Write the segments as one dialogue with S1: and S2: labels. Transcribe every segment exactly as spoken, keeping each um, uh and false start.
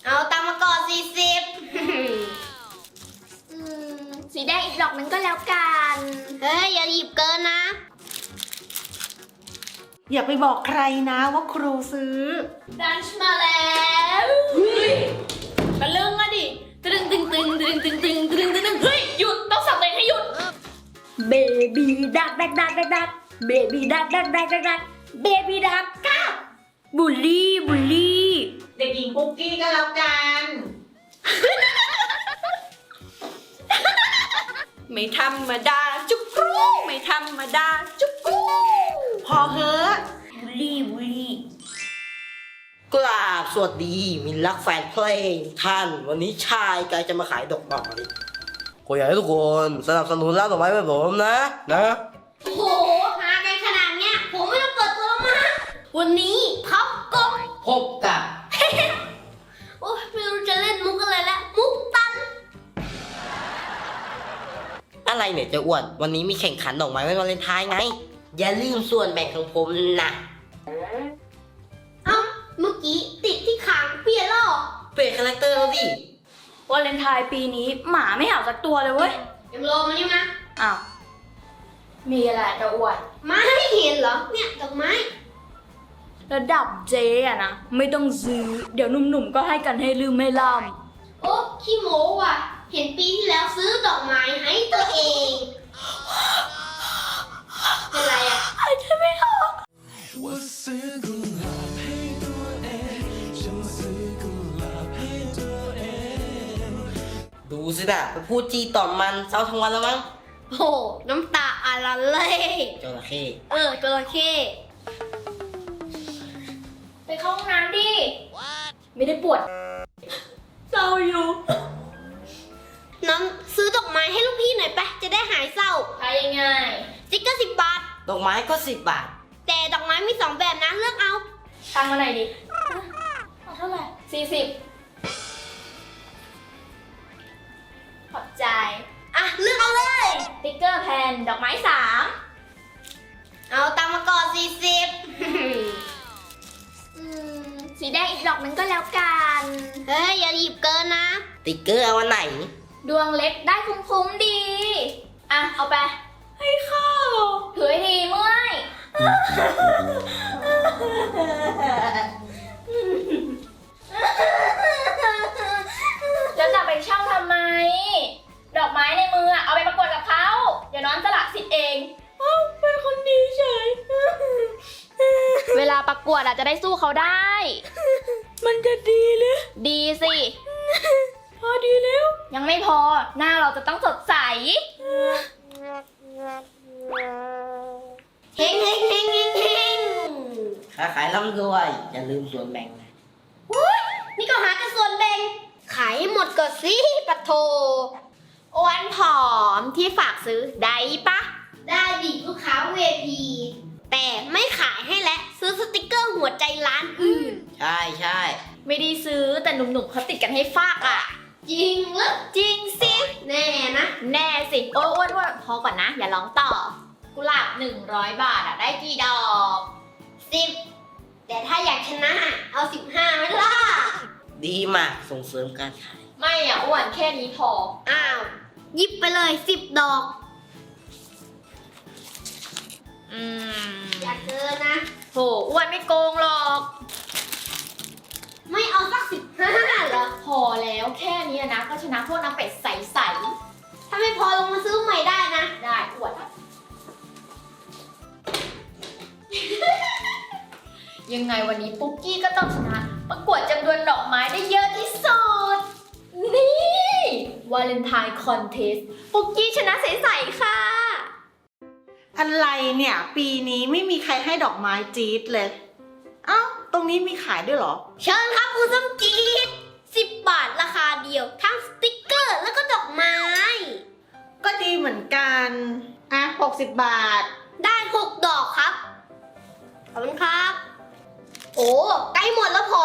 S1: เอาตังมาก่อนสี่สิบ
S2: สีแดงอีกดอกนึงก็แล้วกัน
S1: เฮ้ยอย่าหยิบเกินนะ
S3: อย่าไปบอกใครนะว่าครูซื้อ
S2: ดันช์มาแล้วเฮ้ยตะลึงอะดิตึงตึงตึงตึงตึงตึงตึงตึงตึงเฮ้ยหยุดต้องสั่งตัวเองให้หยุดเบบี้ดักดักดักดักดักเบบี้ดักดักดักดักดักเบบี้ดักก้าบุลลี่บุลลี่
S3: เด็กหญิงปุ๊กกี้ก็แล้วกัน
S2: ไม่ธรรมดาจุกกรูไม่ธรรมดาจุกกรู
S3: พอเฮ้อะ
S2: บุลลี่บุลลี่
S4: กราบสวัสดีมินรักแฟนเพลงท่านวันนี้ชายกายจะมาขายดอกไม้ก็อยากให้ทุกคนสนับสนุนร้านดอกไม้แบบผมนะนะ
S1: โอ้โหหากันขนาดเนี้ยผมไม่ต้องเปิดตัวมาวันนี้พับกบ
S4: พบกับ
S1: โอ้ยไม่รู้จะเล่นมุกอะไรแล้วมุกตัน
S4: อะไรเนี่ยเจะอ้วนวันนี้มีแข่งขันดอกไม้วันวาเลนไทน์ไง อย่าลืมส่วนแบ่งของผมนะ
S1: เอ้าเมื่อกี้ติดที่ขางเปลี่ยนแล้วเหรอ
S4: เปลี่ยนคาแรคเตอร์แล้วดิ
S2: วาเลนไทน์ปีนี้หมาไม่เห่าสักตัวเลยเว้ย
S1: เอ็มโลมานี่มา
S2: อ้าวมีอะไรจะอวด
S1: มาให้เห็นเหรอเนี่ยดอกไม้
S2: ระดับเจ๊อะนะไม่ต้องซื้อเดี๋ยวหนุ่มๆก็ให้กันให้ลืมไม่ล่
S1: โอ้ขี้โม้ว่ะเห็นปีที่แล้วซื้อดอกไม้ให้ตัวเองเป็นไรอ่ะ
S2: ำหายใจไม่ออก
S5: ว่าซื้อกุหลาบให้ตัวเองฉันซื้อกุหลาบให้ตัวเอง
S4: ดูสินะไปพูดจีต่อมมันเศร้าทั้งวันแล้วมั้ง
S1: โอ้น้ำตาอะไรเลย
S4: จระเข้
S1: เออจระเข้
S2: ไปเข้าห้องน้ำดิไม่ได้ปวดเศร้าอยู่
S1: น้ำซื้อดอกไม้ให้ลูกพี่หน่อยไปจะได้หายเศร้า
S2: ทายยังไง
S1: สติ๊กเกอร์สิบบาท
S4: ดอกไม้ก็สิบบาท
S1: แต่ดอกไม้มีสองแบบนะเลือกเอา
S2: ตังค์มาไหนดิเอาเท่าไหร่สี่สิบขอบใจ
S1: อ่ะเลือกเอาเลย
S2: สติ๊กเกอร์แผ่นดอกไม้สาม
S1: เอาตังมาก่อนสี่สิบ
S2: อืมสีแดงอีกดอกนึงก็แล้วกัน
S1: เฮ้ยอย่าหยิบเกินนะ
S4: ติ๊กเกอร์เอาวันไหน
S2: ดวงเล็กได้คุ้มๆดี อ่ะ เอาไป ให้ข้าวถือให้ดีเมื่อยจะจับไปเช่าทำไม ดอกไม้ในมือเอาไปประกวดกับเขาเดี๋ยวน้องสละสิทธิ์เองเอ้าเป็นคนดีเฉย เวลาประกวดอาจจะได้สู้เขาได้ มันจะดีเลยดีสิ พอดีแล้ว ยังไม่พอ หน้าเราจะต้องสดใส
S1: เฮงเฮงเฮงเฮงเฮง
S4: ค้าขายร่ำรวย อย่าลืมส่วนแบ่งนะ
S1: อุ๊ยนี่ก็หากันส่วนแบ่ง ขายให้หมดก่อนสิปะโทอ้วนผอมที่ฝากซื้อได้ปะ ได้ดิลูกค้าเวทีแต่ไม่ขายให้และซื้อสติกเกอร์หัวใจร้านอื่น
S4: ใช่ใช่
S2: ไม่ได้ซื้อแต่หนุ่มๆเขาติดกันให้ฟากอ่ะ
S1: จริงหรือ
S2: จริงสิ
S1: แน่นะ
S2: แน่สิ โอ้ยอ้วนอ้วนพอก่อนนะ อย่าร้องต่อ กุหลาบหนึ่งร้อยบาทอ่ะ ได้กี่ดอก
S1: สิบแต่ถ้าอยากชนะเอาสิบห้าไหมล่ะ
S4: ดีมากส่งเสริมการขาย
S2: ไม่อ่ะอ้วนแค่นี้พอ
S1: อ้าวหยิบไปเลยสิบดอก
S2: อืม
S1: อย่าเกินนะ
S2: โหอ้วนไม่โกงหรอก
S1: ไม่เอาสักสิบห้าเหรอ
S2: พอแล้วแค่นี้นะก็ชนะพวกน้ำเป็ดใส
S1: ถ้าไม่พอลงมาซื้อใหม่ได้นะ
S2: ๆ ได้อวด ยังไงวันนี้ปุ๊กกี้ก็ต้องชนะ ประกวดจำนวนดอกไม้ได้เยอะที่สุด นี่วาเลนไทน์คอนเทสปุ๊กกี้ชนะใสๆค่ะ
S3: อะไรเนี่ย ปีนี้ไม่มีใครให้ดอกไม้จี๊ดเลย เอ้า ตรงนี้มีขายด้วยเหรอ
S1: เชิญครับคุณสมจีดสิบบาทราคาเดียว ทั้งสติ๊กเกอร์แล้วก็ดอกไม้
S3: ก็ดีเหมือนกัน อ่ะหกสิบบาท
S1: ได้หกดอกครับ ขอบคุณครับ โอ้ใกล้หมดแล้วผม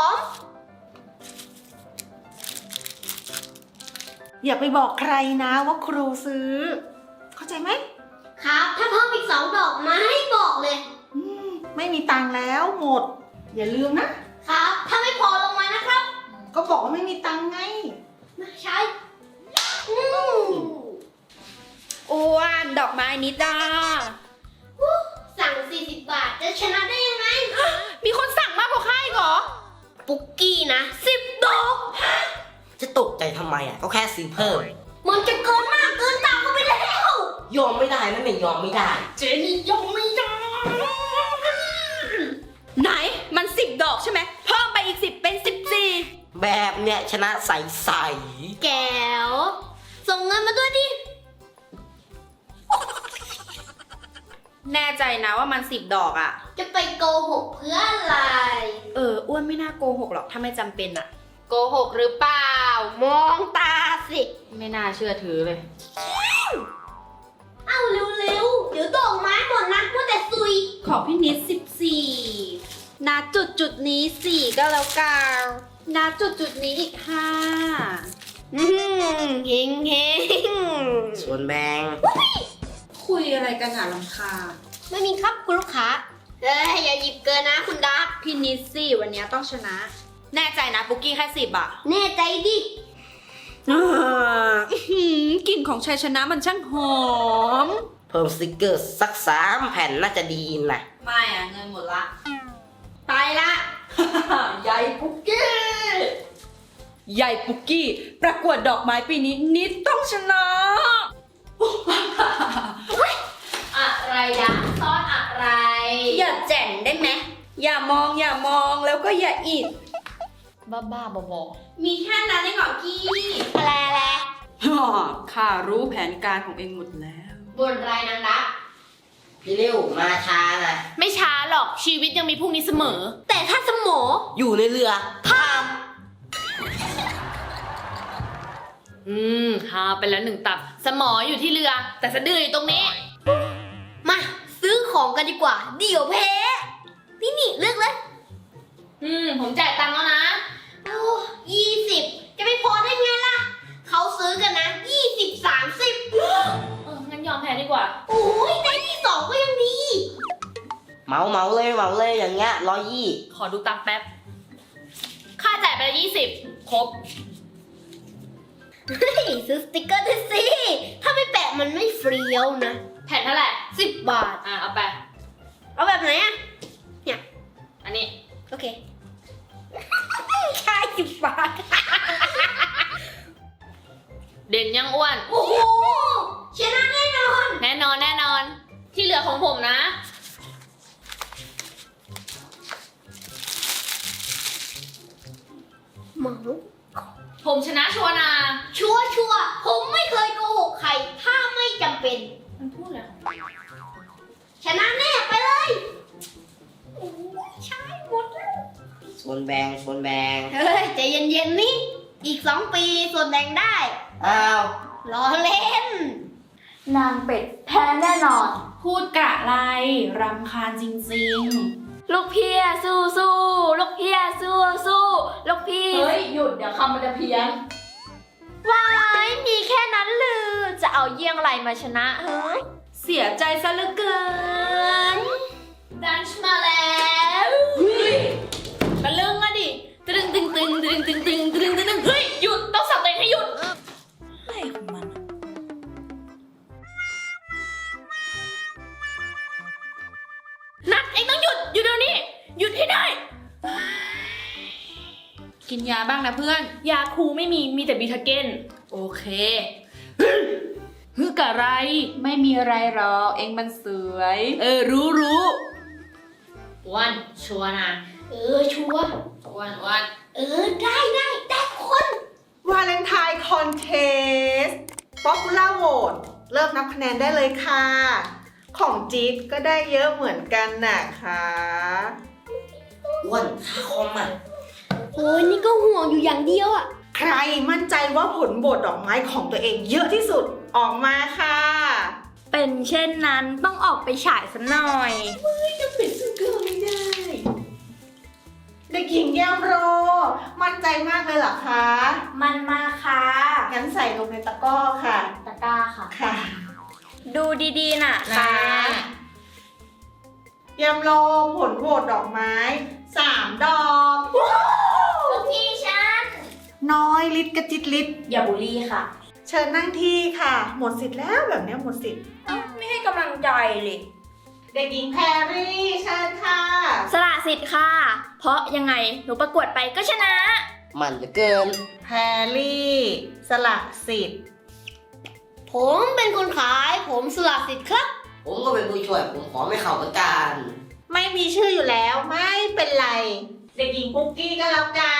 S3: อย่าไปบอกใครนะว่าครูซื้อ เข้าใจไหม
S1: ครับ ถ้าเพิ่มอีกสองดอกมาให้บอกเลย
S3: อืมไม่มีตังค์แล้วหมด อย่าลืมนะ
S1: ครับ ถ้าไม่พอลงมานะครับ
S3: ก็บอกว่าไม่มีตังค์ไง
S1: ใช่อืม
S2: อ้วนดอกไม้นิดา
S1: อู้สั่งสี่สิบบาทจะชนะได้ยังไง
S2: มีคนสั่งมากกว่าข้าอีกเหรอ
S1: ปุกกี้นะสิบดอก
S4: จะตกใจทำไมอ่ะ ก็แค่ซื้อเพิ่ม
S1: มันจะเกินมากเกินตามเข้าไปแล้ว
S4: ยอมไม่ได้นะไม่ยอมไม่ได้
S1: เจนี่ยงไม่ได้
S2: ไหนมันสิบดอกใช่ไหมเพิ่มไปอีกสิบเป็นสิบสี่
S4: แบบเนี้ยชนะใสใส
S1: แก้วส่งเงินมาด้วยดิ
S2: แน่ใจนะว่ามันสิบดอกอะ
S1: จะไปโกหกเพื่ออะไร
S2: เอออ้วนไม่น่าโกหกหรอกถ้าไม่จำเป็นอะ
S1: โกหกหรือเปล่า มองตาสิ
S2: ไม่น่าเชื่อถือเลย
S1: เอ้าเร็วๆ เดี๋ยวดอกไม้หมดนะว่าแต่ซุย
S2: ขอพี่นิดสิบสี่ณจุดจุดนี้สี่ก็แล้วกันณจุดจุดนี้อีกห้า
S1: อืมเฮงเฮง
S4: ส่วนแบงค์
S2: คุยอะไรกันอ่ะลำคาญ
S1: ไม่มีครับคุณลูกค้าเอ้ยอย่าหยิบเกินนะคุณดัก
S2: พี่นิดสิวันนี้ต้องชนะ แน่ใจนะปุกกี้แค่สิบอะ
S1: แน่ใจดิ
S2: กลิ่นของชัยชนะมันช่างหอม
S4: เพิ่มสติกเกอร์สักสามแผ่นน่าจะดีนะ
S2: ไม่อะเงินหมดละ ไปละ ใหญ่ปุกกี้ ใหญ่ปุกกี้ ประกวดดอกไม้ปีนี้นิดต้องชนะ
S1: อะไรดะซอสอะไร
S2: อย่าแจ่งได้ไหม อย่ามองอย่ามองแล้วก็อย่าอิด
S1: บ้าบ้าบอ
S2: มีแค่นั้นเองเหรอกี้
S1: อะไรอะไร
S2: ข้ารู้แผนการของเองหมดแล้ว
S1: บนไรนางดัก
S4: พี่ริ้วมาช้านะ
S2: ไม่ช้าหรอกชีวิตยังมีพรุ่งนี้เสมอ
S1: แต่ถ้าสมอ
S4: อยู่ในเรือ
S2: อืมหาไปแล้วหนึ่งตับ สมออยู่ที่เรือ แต่สะดืออยู่ตรงนี้
S1: มาซื้อของกันดีกว่า เดี๋ยวแพ้นี่นี่เลือกเลย
S2: อืม ผมจ่ายตังค์แล้วนะ
S1: โอ้ยี่สิบจะไม่พอได้ไงล่ะ เขาซื้อกันนะยี่สิบสามสิบ
S2: เออ งั้นยอมแพ้ดีกว่า
S1: โอ้ยได้ที่สองก็ยังดี
S4: เหมาเหมาเลยเหมาเลยอย่างเงี้ยร้อยยี่
S2: ขอดูตังค์แป๊บ ค่าจ่ายไปแล้วยี่สิบครบ
S1: เฮ้ยซื้อสติกเกอร์ด้วยสิ ถ้าไม่แปะมันไม่เฟรียวนะ
S2: แผ่นเท่าไหร่
S1: สิบบาท
S2: อ่ะ เอาไป
S1: เอาแบบไหนอะ
S2: อันนี้
S1: โอเค แค่สิบบาท
S2: เด่นยังอ้วน
S1: โอ้โหชนะแน่นอน
S2: แน่นอนแน่นอน ที่เหลือของผมนะ
S1: หมอ
S2: ผมชนะชัวร์นะ
S1: ชัวร์ชัวร์ผมไม่เคยโกหกใคร ถ้าไม่จำเป็น
S2: มันพูดอะไรของมัน
S1: ชนะแน่ไปเลยโอ้ยใช่หมดแล้ว
S4: ส่วนแบงค์ส่วนแบงค์
S1: เฮ้ยใจเย็นๆนี่ อีกสองปีส่วนแบ่งได้
S4: อ้าว
S1: รอเล่น
S2: นางเป็ดแพ้แน่นอน พูดกะไรรำคาญจริงๆ ลูกพี่สู้สู้ลูกพี่สู้สู้ลูกพี่ เฮ้ย หยุดเดี๋ยวคำมันจะเพี้ยนว้ายมีแค่นั้นหรือจะเอาเยี่ยงไรมาชนะเฮ้ย เสียใจซะเหลือเกิน ดันช์มาแล้วเฮ้ยตะลึงอะดิตึงตึงตึงตึงตึงตึงตึงตึงตึงเฮ้ย หยุดต้องสั่งตัวเองให้หยุดอะไรของมัน นัดเองต้องหยุดหยุดเดี๋ยวนี้หยุดให้ได้ กินยาบ้างนะเพื่อน ยาคูไม่มีมีแต่บีทาเกนโอเคฮึกอะไร ไม่มีอะไรหรอกเองมันสวย เออรู้รู้วันชัวร์นะ
S1: เออชัวร์
S2: วันวัน
S1: เออได้ได้ได้คน
S3: วาเลนไทน์คอนเทสป๊อปปูล่าโหวตเริ่มนับคะแนนได้เลยค่ะ ของจี๊ดก็ได้เยอะเหมือนกันนะคะ
S4: อ้วนค่าคอมอ่ะ
S1: โอ้ยนี่ก็ห่วงอยู่อย่างเดียวอ่ะ
S3: ใครมั่นใจว่าผลโหวตดอกไม้ของตัวเองเยอะที่สุดออกมาค่ะ
S2: เป็นเช่นนั้นต้องออกไปฉายสักหน่อย
S3: จะปิดสเกอร์ไม่ได้เด็กหญิงแย้มโร มั่นใจมากเลยเหรอคะ
S2: มันมาค่ะ
S3: งั้นใส่ลงในตะกร้อค่ะ
S2: ตะกร้าค่ะ
S3: ค่ะ
S2: ดูดีๆน่ะ
S3: นะ แย้มโรผลโหวตดอกไม้สามดอก
S2: ลูกพี่ฉัน
S3: น้อยลิดกระจิตลิด
S2: อย่าบูลลี่ค่ะ
S3: เชิญนั่งที่ค่ะ หมดสิทธิ์แล้วแบบเนี้ยหมดสิทธิ์
S2: ไม่ให้กำลังใจเลย
S3: เด็กหญิงแพรรี่เชิญค่ะ
S2: สละสิทธิ์ค่ะ เพราะยังไงหนูประกวดไปก็ชนะ
S4: มันเหลือเกิน
S3: แพรรี่สละสิทธิ์
S1: ผมเป็นคนขายผมสละสิทธิ์ครับ
S4: ผมก็เป็นผู้ช่วย ผมขอไม่เข้าประกัน
S3: ไม่มีชื่ออยู่แล้วไม่เป็นไร เด็กหญิงปุ๊กกี้ก็แล้วกัน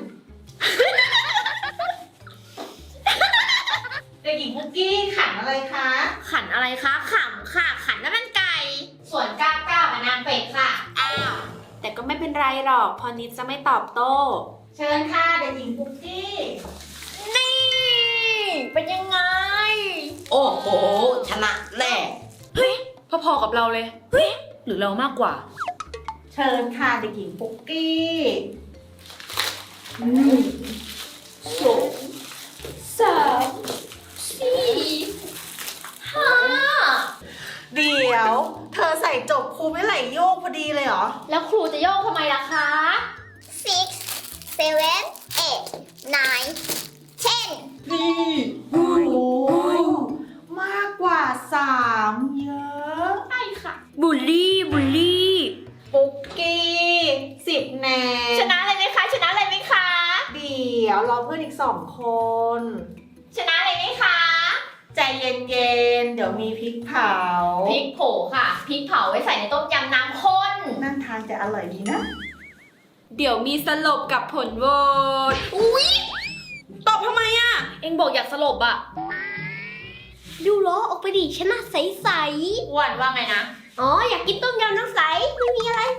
S3: เด็กหญิงปุ๊กกี้ขันอะไรคะ
S1: ขันอะไรคะขำค่ะ ขันน้ำมันไก่ ส่วนก้าวก้าวกับนางเป็ดค่ะ อ้าว
S2: แต่ก็ไม่เป็นไรหรอกเพอนิดจะไม่ตอบโต้
S3: เชิญค่ะเด็กหญิงปุ๊กกี้
S2: นี่ เป็นยังไง
S4: โอ้โห ชนะแน่
S2: เฮ้ย พอๆกับเราเลย เฮ้ย หรือเรามากกว่า
S3: เชิญค่ะเด็กหญิงปุ๊กกี้อืม
S2: สองสามสี่ห้า
S3: เดี๋ยว เธอใส่จบครูไม่ไหลโยกพอดีเลยเหรอ
S1: แล้วครูจะโยกทำไมล่ะคะ
S6: six, seven, eight, nine, ten.
S3: นี่โอ้โหมากกว่าสามเยอะ
S1: ใช่ค่ะ
S2: บูลลี่ บูลลี่
S3: ปุ๊กกี้สิบแนน
S2: ชนะเลยไหมคะ ชนะเลยไหมคะ
S3: เดี๋ยวรอเพื่อนอีกสองคน
S2: ชนะเลยไหมคะ
S3: ใจเย็นๆ เดี๋ยวมีพริกเผา
S2: พริกโผค่ะ พริกเผาไว้ใส่ในต้มยำน้ำข้น
S3: นั่นทานจะอร่อยดีนะ
S2: เดี๋ยวมีสลบกับผลโหวตอุ๊ย ตอบทำไมอ่ะ เอ็งบอกอยากสลบอ่ะ
S1: ดูล้อออกไปดิชนะใส
S2: อ้วนว่าไงนะ
S1: ๆ อ๋อ อยากกินต้มยำน้ำใส ไม่มีอะไร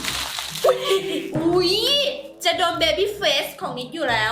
S2: อุ๊ย จะโดนเบบี้เฟสของนิดอยู่แล้ว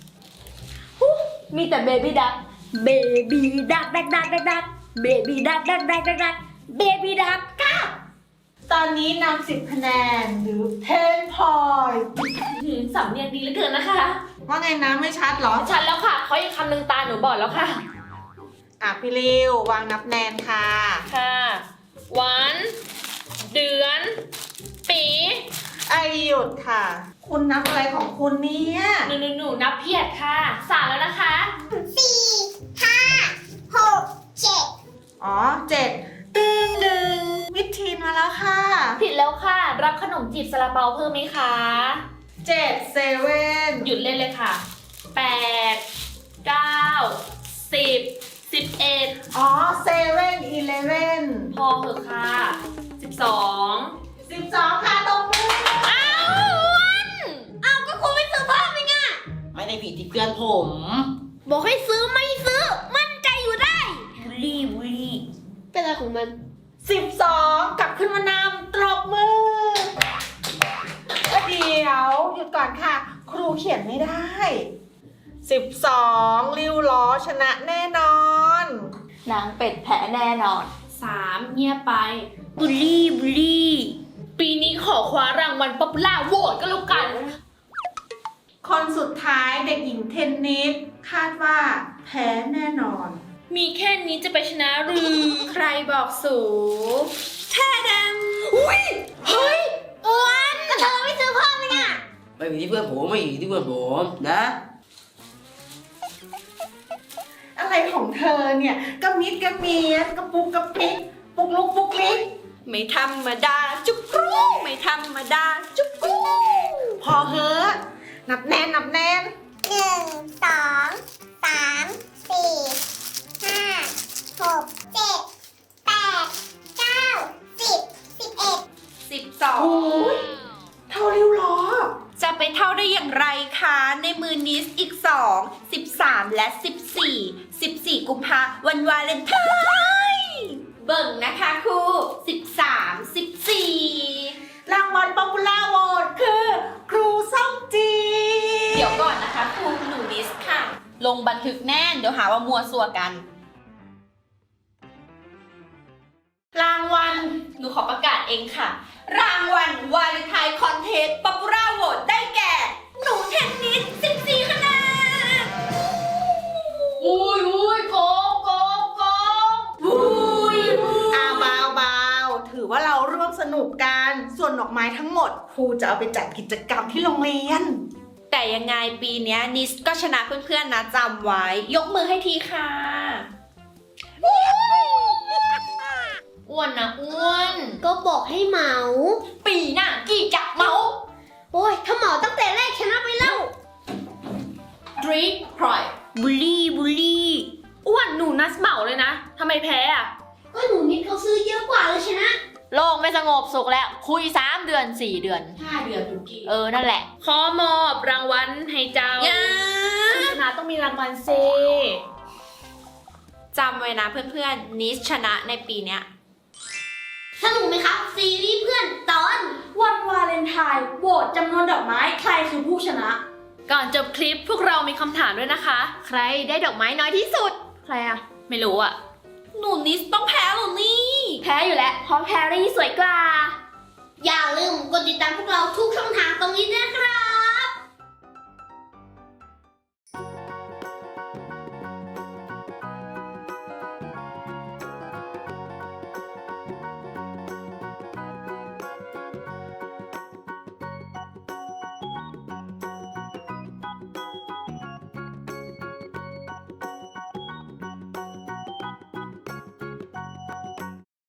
S2: มีแต่เบบี้ดัก เบบี้ดักดักดักดักดักเบบี้ดักดักดักดักดักเบบี้ดักก้า
S3: ตอนนี้นำสิบคะแนนหรือ10 point
S2: สำเนียงดีเหลือเกินนะคะ
S3: ว่าไงนะไม่ชัดเหรอ
S2: ชัดแล้วค่ะ เขายังคำหนึ่งตาหนูบอดแล้วค่ะ
S3: อ่ะพี่ริววางนับแนนค่ะ
S2: ค่ะ วัน เดือน ปี
S3: ไอหยุดค่ะ คุณนับอะไรของคุณเนี่ย
S2: หนูหนูหนูนับเพียดค่ะสามแล้วนะคะ
S6: สี่ห้าหกเจ็ด
S3: อ๋อเจ็ดตึงหนึ่งมิดทีนมาแล้วค่ะ
S2: ผิดแล้วค่ะ รับขนมจีบซาลาเปาเพิ่มไหมคะ
S3: เจ็ดเซเว่น
S2: หยุดเล่นเลยค่ะ แปด เก้า สิบ สิบเอ็ด
S3: อ๋อเซเว่นอีเลเว่น
S2: พอเหอะค่ะ สิบสอง
S3: สิบสองค่ะตรงมือ
S2: อ้าว
S1: อ้าวก็ครูไม่ซื้อเพิ่มเองอะ
S4: ไม่ได้ผิดที่เพื่อนผม
S1: บอกให้ซื้อไม่ซื้อ มั่นใจอยู่ได้
S2: บุลลี่บุลลี่
S1: เป็นอะไรของมัน
S3: สิบสองกลับขึ้นมานำตรบมือเอ้ยเดี๋ยวหยุดก่อนค่ะ ครูเขียนไม่ได้สิบสองริ้วล้อชนะแน่นอน
S2: นางเป็ดแพ้แน่นอนสามเงียบไป บุลลี่บุลลี่ ปีนี้ขอคว้ารางวัลป๊อปปูล่าโหวตก็แล้วกัน
S3: คนสุดท้ายเด็กหญิงเทนนิสคาดว่าแพ้แน่นอน
S2: มีแค่นี้จะไปชนะหรือ ใครบอกสูแท้ดำอุ้ย เฮ้ย
S1: อ้วนก็เธอไม่ซื้อเพิ่มเองอะ
S4: ไม่ผิดที่เพื่อนผม ไม่ผิดที่เพื่อนผมนะ
S3: อะไรของเธอเนี่ยกระมิดกระเมียดกระปุกกระปิกปุกลุกปุกลิก
S2: ไม่ธรรมดา จุกรูไม่ธรรมดา จุกรู
S3: พอเฮอะนับแน่นนับแน่น
S6: หนึ่งสองสามสี่ห้าหกเจ็ดแปดเก้าสิบสิบเอ็ด
S2: สิบสอง
S3: โอ้ยเท่าริ้วล้อ
S2: จะไปเท่าได้อย่างไรคะ ในมือนิสอีกสองสิบสามและสิบสี่สิบสี่กุมภาวันวาเลนไทน์เบิ่งนะคะครูสิบสามสิบสี่
S3: รางวัลป๊อปปูล่าโหวตคือครูส้มจี
S2: เดี๋ยวก่อนนะคะครูหนูนิสค่ะ ลงบันทึกแน่น เดี๋ยวหาว่ามัวซัวกัน
S3: รางวัล
S2: หนูขอประกาศเองค่ะ รางวัลวาเลนไทน์คอนเทสต์ป๊อปปูล่าโหวตได้แก่ หนูเทนนิสสิบสี่คะแนนอุ้ยอุ้ยโกงโกงโกงอุ้ย
S3: อาเบาเบาถือว่าเราร่วมสนุกกัน ส่วนดอกไม้ทั้งหมดครูจะเอาไปจัดกิจกรรมที่โรงเรียน
S2: แต่
S7: แต่ยังไงปีเนี้ยนิสก็ชนะเพื่อนๆนะจำไว้ ยกมือให้ทีค่ะ
S2: อ้วนนะอ้วน
S1: ก็บอกให้เหมา
S2: ปีหน้ากี่จะเมา
S1: โอ้ย ถ้าเหมาตั้งแต่แรกชนะไปแล้ว
S2: ดรีทพรอย
S1: บุลี่บุลี่
S2: อ้วนหนูนัสเหมาเลยนะทำไมแพ้อะ
S1: ก็หนูนิดเขาซื้อเยอะกว่าเลยชนะ
S2: โลกไม่สงบสุขแล้ว คุยสามเดือนสี่เดือน
S7: ห้าเดือนทุกที
S2: เออ นั่นแหละ ขอมอบรางวัลให้เจ้า
S7: อย่า
S2: ชนะต้องมีรางวัลเซ
S7: จำไว้นะเพื่อนๆนิสชนะในปีเนี้ย
S1: สนุกไหมครับ ซีรีส์เพื่อนตอน
S2: วันวาเลนไทน์โหวตจำนวนดอกไม้ใครคือผู้ชนะ ก่อนจบคลิปพวกเรามีคำถามด้วยนะคะ
S1: ใครได้ดอกไม้น้อยที่สุด
S2: ใครอะไม่รู้อะ
S7: หนูนิสต้องแพ้หรอนี่
S2: แพ้อยู่แล้วเพราะแพรรี่สวยกว่า
S1: อย่าลืมกดติดตามพวกเราทุกช่องทางตรงนี้ด้วยนะครับ